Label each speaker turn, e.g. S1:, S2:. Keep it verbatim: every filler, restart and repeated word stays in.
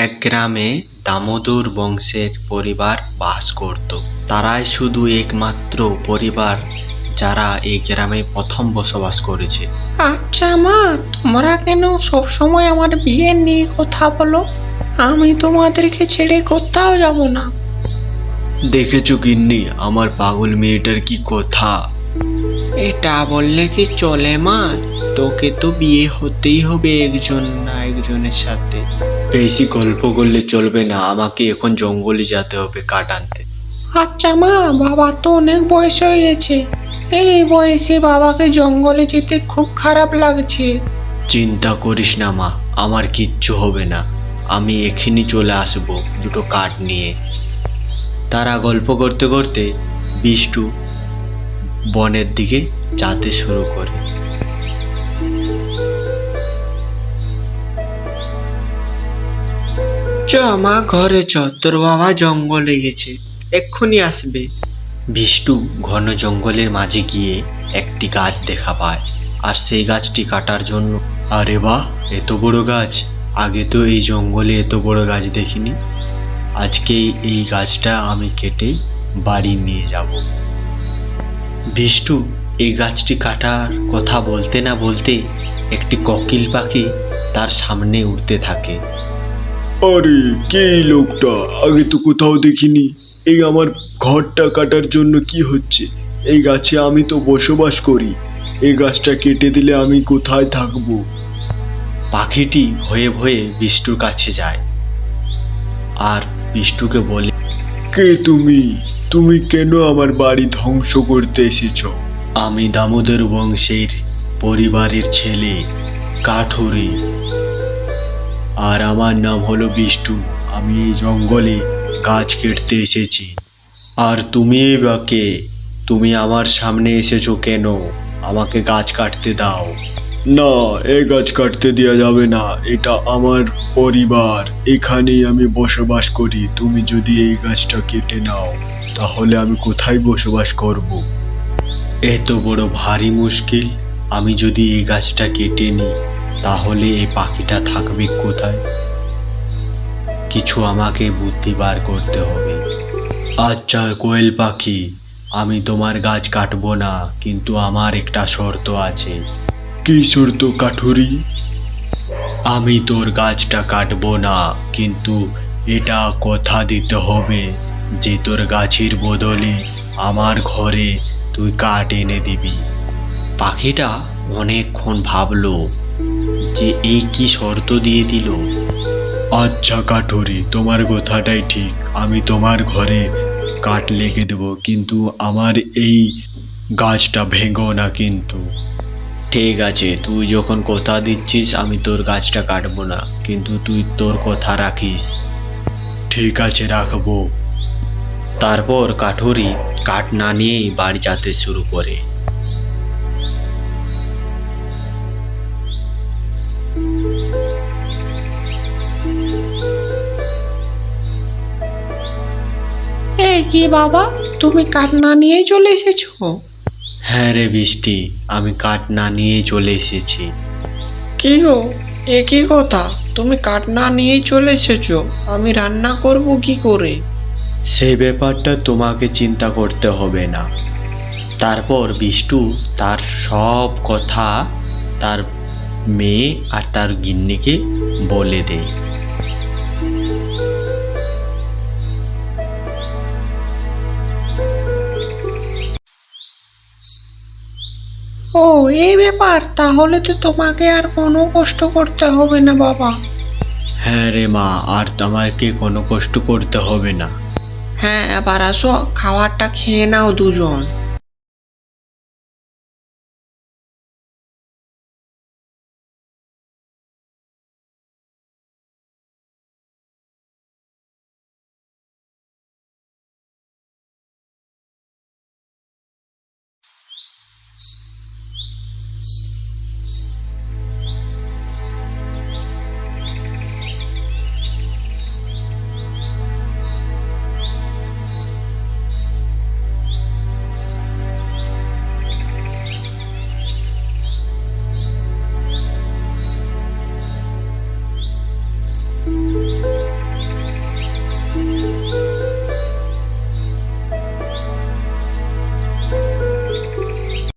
S1: এক গ্রামে দামোদর বংশের পরিবার বাস করত। তারাই শুধু একমাত্র পরিবার যারা এই গ্রামে প্রথম বসবাস করেছে।
S2: আচ্ছা মা, তোমরা কেন সবসময় আমার বিয়ে নিয়ে কথা বলো? আমি তোমাদেরকে ছেড়ে কোথাও যাব না।
S1: দেখেছো গিন্নি, আমার পাগল মেয়েটার কি কথা।
S2: এটা বললে কি চলে মা? তোকে তো বিয়ে হতেই হবে একজন না একজনের সাথে।
S1: বেশি গল্প করলে চলবে না, আমাকে এখন জঙ্গলে যেতে হবে কাঠ আনতে।
S2: আচ্ছা মা, বাবা তো অনেক বয়স হয়ে গেছে, এই বয়সে বাবাকে জঙ্গলে যেতে খুব খারাপ লাগছে।
S1: চিন্তা করিস না মা, আমার কিচ্ছু হবে না। আমি এক্ষুনি চলে আসবো দুটো কাঠ নিয়ে। তারা গল্প করতে করতে বিষ্টু বনের দিকে যেতে শুরু করে।
S2: চ মা, ঘরে চ, তোর বাবা জঙ্গলে গেছে, এক্ষুনি আসবে।
S1: বিষ্টু ঘন জঙ্গলের মাঝে গিয়ে একটি গাছ দেখা পায়, আর সেই গাছটি কাটার জন্য। আরে বাহ, এত বড় গাছ! আগে তো এই জঙ্গলে এত বড় গাছ দেখিনি। আজকে এই গাছটা আমি কেটে বাড়ি নিয়ে যাব। বিষ্টু এই গাছটি কাটার কথা বলতে না বলতে একটি কোকিল পাখি তার সামনে উড়তে থাকে।
S3: আরে কে এই লোকটা? আগে তো কোথাও দেখিনি। এই আমার ঘরটা কাটার জন্য কি হচ্ছে? এই গাছে আমি তো বসবাস করি, এই গাছটা কেটে দিলে আমি কোথায় থাকবো?
S1: পাখিটি ভয়ে ভয়ে বিষ্টুর কাছে যায় আর বিষ্টুকে বলে,
S3: কে তুমি? তুমি কেন আমার বাড়ি ধ্বংস করতে এসেছো?
S1: আমি দামোদর বংশের পরিবারের ছেলে কাঠুরি, আর আমার নাম হলো বিষ্টু। আমি এই জঙ্গলে গাছ কেটতে এসেছি। আর তুমি বা কে? তুমি আমার সামনে এসেছো কেন? আমাকে গাছ কাটতে দাও।
S3: না, এই গাছ কাটতে দেওয়া যাবে না, এটা আমার পরিবার, এখানেই আমি বসবাস করি। তুমি যদি এই গাছটা কেটে নাও তাহলে আমি কোথায় বসবাস করব?
S1: এত বড় ভারী মুশকিল। আমি যদি এই গাছটা কেটে নিই তাহলে এই পাখিটা থাকবে কোথায়? কিছু আমাকে বুদ্ধি বার করতে হবে। আচ্ছা কোয়েল পাখি, আমি তোমার গাছ কাটবো না, কিন্তু আমার একটা শর্ত আছে।
S3: কি শর্ত কাঠুরি?
S1: আমি তোর গাছটা কাটবো না, কিন্তু এটা কথা দিতে হবে যে তোর গাছের বদলে আমার ঘরে তুই কাঠ এনে দিবি। পাখিটা অনেকক্ষণ ভাবলো যে এই কি শর্ত দিয়ে দিল।
S3: আচ্ছা কাঠুরি, তোমার কথাটাই ঠিক, আমি তোমার ঘরে কাঠ লেগে দেব, কিন্তু আমার এই গাছটা ভেঙো না কিন্তু।
S1: ঠিক আছে, তুই যখন কথা দিচ্ছিস আমি তোর গাছটা কাটবো না, কিন্তু তুই তোর কথা রাখিস।
S3: ঠিক আছে, রাখবো।
S1: তারপর কাঠুরি কাঠ না নিয়েই বাড়ি যেতে শুরু করে।
S2: এই কি বাবা, তুমি কাঠ না নিয়ে চলে এসেছো?
S1: হ্যাঁ রে বৃষ্টি, আমি কাঠ না নিয়েই চলে এসেছি।
S2: কি গো, এ কি কথা? তুমি কাঠ না নিয়েই চলে এসেছো, আমি রান্না করব কি করে?
S1: সেই ব্যাপারটা তোমাকে চিন্তা করতে হবে না। তারপর বিষ্টু তার সব কথা তার মেয়ে আর তার গিন্নিকে বলে দেয়।
S2: ও, এই ব্যাপার, তাহলে তো তোমাকে আর কোনো কষ্ট করতে হবে না বাবা।
S1: হ্যাঁ রে মা, আর তোমাকে কোনো কষ্ট করতে হবে না।
S2: হ্যাঁ, এবার আসো, খাবারটা খেয়ে নাও দুজন।